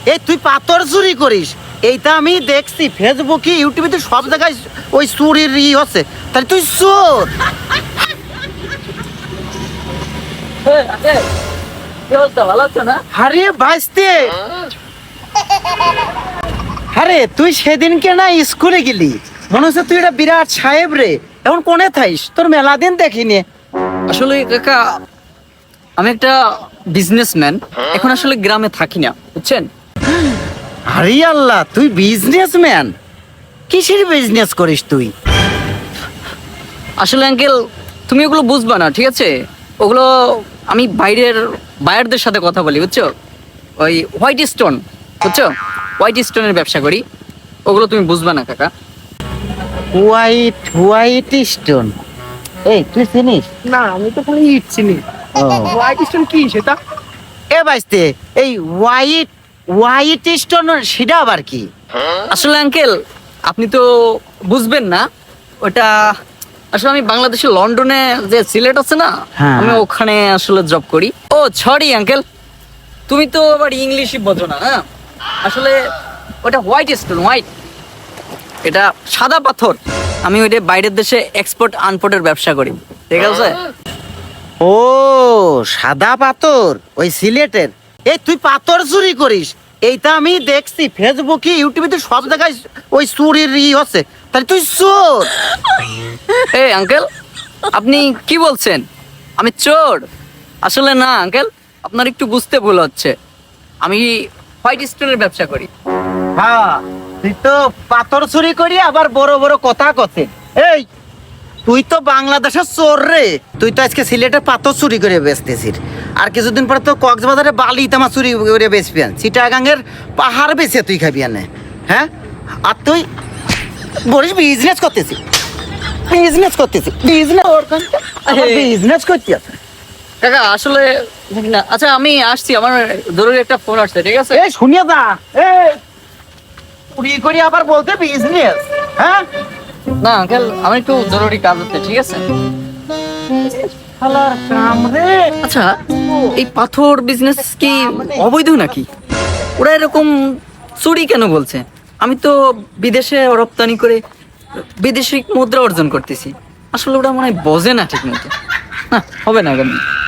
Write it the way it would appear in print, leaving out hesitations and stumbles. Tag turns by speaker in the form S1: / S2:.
S1: এই তুই পাথর চুরি করিস, এইটা আমি দেখছি ফেসবুকে ইউটিউবে তো সব জায়গায় ওই চুরির হচ্ছে, তাহলে তুই চোর।
S2: ভালো আছো না?
S1: আরে ভাইস্তে, আরে তুই সেদিনকে না স্কুলে গেলি, মনে হচ্ছে তুই এটা বিরাট সাহেব রে, এখন কোনে থাইস? তোর মেলা দিন দেখিনি।
S2: আসলে কাকা, আমি একটা বিজনেসম্যান, এখন আসলে গ্রামে থাকি না, বুঝছেন?
S1: আরে আল্লাহ, তুই বিজনেসম্যান? কিসের বিজনেস করিস তুই?
S2: আসলে আঙ্কেল, তুমি ওগুলো বুঝবা না, ঠিক আছে? ওগুলো আমি বায়ারদের সাথে কথা বলি, বুঝছো? ওই হোয়াইট স্টোন, বুঝছো? হোয়াইট স্টোনের ব্যবসা করি। ওগুলো তুমি বুঝবা না কাকা।
S1: White white stone? এই তুই চিনিস?
S3: না, আমি তো খালি ইট চিনি। হোয়াইট স্টোন কি সেটা?
S1: এ ভাইস্তে, এই হোয়াইট হোয়াইট স্টোন সেটা আবার কি?
S2: আসলে আঙ্কেল, আপনি তো বুঝবেন না ওটা। আসলে আমি বাংলাদেশের লন্ডনে যে সিলেট আছে না,
S1: হ্যাঁ।
S2: আমি ওখানে আসলে জব করি। ও সরি আঙ্কেল, তুমি তো আবার ইংলিশই বোঝো না। হ্যাঁ, আসলে ওটা হোয়াইট স্টোন, হোয়াইট, এটা সাদা পাথর। আমি ওইটা বাইরের দেশে এক্সপোর্ট আনপোর্টের ব্যবসা করি, ঠিক আছে?
S1: ও সাদা পাথর, ওই সিলেটের। এই তুই পাথর চুরি করিস, এইটা আমি দেখছি ফেসবুকে ইউটিউবে তো সব জায়গায় ওই চুরির হচ্ছে, তাহলে তুই চোর।
S2: এই আঙ্কেল, আপনি কি বলছেন? আমি চোর? আসলে না আঙ্কেল, আপনার একটু বুঝতে ভুল হচ্ছে। আমি হোয়াইট স্টোনের ব্যবসা করি।
S1: হ্যাঁ, তুই তো পাথর চুরি করি আবার বড় বড় কথা কথে। এই তুই তো বাংলাদেশের চোর রে, তুই তো আজকে সিলেটের পাথর চুরি করে বেচতেছিস, আর কিছুদিন পরে তো কক্সবাজারে বালি তামা চুরি করে বেচবি, চিটাগাঙ্গের পাহাড় বেচে তুই খাবি আনে। হ্যাঁ, আর তুই বলিস বিজনেস করতেছিস, বিজনেস করতেছিস, বিজনেস করতে আছে।
S2: কাকা আসলে না, আচ্ছা আমি আসছি, আমার জরুরি একটা ফোন আসছে, ঠিক আছে?
S1: এই শুনিয়ে যা, এই চুরি করি আবার বলতে বিজনেস? হ্যাঁ,
S2: না আঙ্কেল, আমার একটু জরুরি কাজ হচ্ছে, ঠিক আছে?
S1: শালার কাম রে।
S2: আচ্ছা, এই পাথর বিজনেস কি অবৈধ নাকি? ওরা এরকম চুরি কেন বলছে? আমি তো বিদেশে রপ্তানি করে বিদেশি মুদ্রা অর্জন করতেছি। আসলে ওরা মনে হয় বোঝে না ঠিক মতো। না, হবে না কেন?